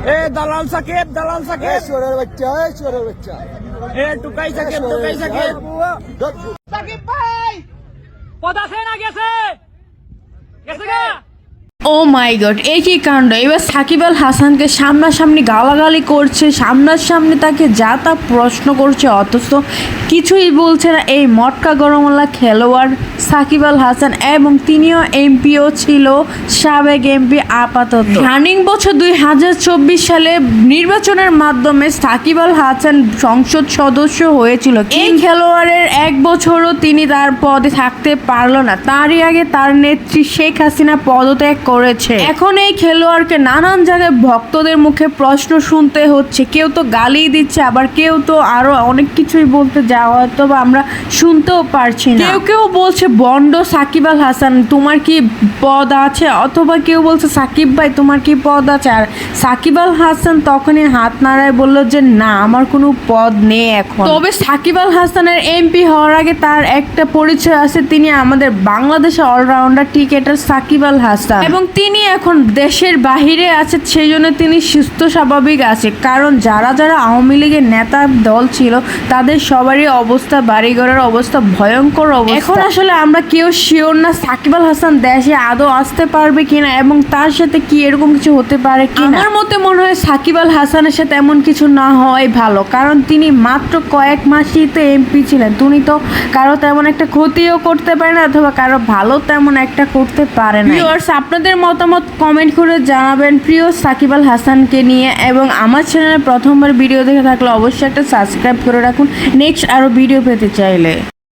এ দালাল সাকিব, দালাল সাকিব, চোরের বাচ্চা, চোরের বাচ্চা। এ টুকাই সাকিব, টুকাই সাকিব। সাকিব ভাই পদা সেনা গেছে গেছে গা। ও মাই গড, এই কি কাণ্ড! এবার সাকিব আল হাসানকে সামনাসামনি গালাগালি করছে, সামনাসামনি তাকে যা তা প্রশ্ন করছে, অথচ কিছুই বলছে না এই মটকা গরমওয়ালা খেলোয়াড় সাকিব আল হাসান। এবং তিনিও এমপিও ছিল, সাবেক এমপি আপাতত। রানিং বছর 2024 সালে নির্বাচনের মাধ্যমে সাকিব আল হাসান সংসদ সদস্য হয়েছিল। এই খেলোয়াড়ের এক বছরও তিনি তার পদে থাকতে পারল না। তারই আগে তার নেত্রী শেখ হাসিনা পদত্যাগ করেছে। এখন এই খেলোয়াড়কে নানান জায়গায় ভক্তদের মুখে প্রশ্ন শুনতে হচ্ছে। কেউ তো গালি দিচ্ছে, আবার কেউ তো আরো অনেক কিছুই বলতে যাওয়া হয়তো বা আমরা শুনতেও পারছি না। কেউ কেউ বলছে বন্ড সাকিব আল হাসান, তোমার কি পদ আছে? অথবা কেউ বলছে সাকিব ভাই তোমার কি পদ আছে? আর সাকিব আল হাসান তখনই হাত নাড়ায় বলল যে না, আমার কোনো পদ নেই এখন। তবে সাকিব আল হাসানের এমপি হওয়ার আগে তার একটা পরিচয় আছে, তিনি আমাদের বাংলাদেশের অলরাউন্ডার ক্রিকেটার সাকিব আল হাসান। এবং তিনি এখন দেশের বাহিরে আছে, সেই জন্য তিনি সুস্থ স্বাভাবিক আছে। কারণ যারা যারা আওয়ামী লীগের নেতা দল ছিল তাদের সবারই অবস্থা, বাড়িঘরের অবস্থা ভয়ঙ্কর অবস্থা। এখন আসলে আমরা কেউ শিওর না সাকিব আল হাসান দেশে আদৌ আসতে পারবে কিনা এবং তার সাথে কি এরকম কিছু হতে পারে কিনা। আমার মতে মনে হয় সাকিব আল হাসানের সাথে এমন কিছু না হওয়াই ভালো, কারণ তিনি মাত্র কয়েক মাসই তো এমপি ছিলেন। তিনি তো কারো তেমন একটা ক্ষতিও করতে পারে না, অথবা কারো ভালো তেমন একটা করতে পারে না। আপনাদের মতামত কমেন্ট করে জানাবেন প্রিয় সাকিব আল হাসানকে নিয়ে। এবং আমার চ্যানেলে প্রথমবার ভিডিও দেখে থাকলে অবশ্যই একটা সাবস্ক্রাইব করে রাখুন নেক্সট আরও ভিডিও পেতে চাইলে।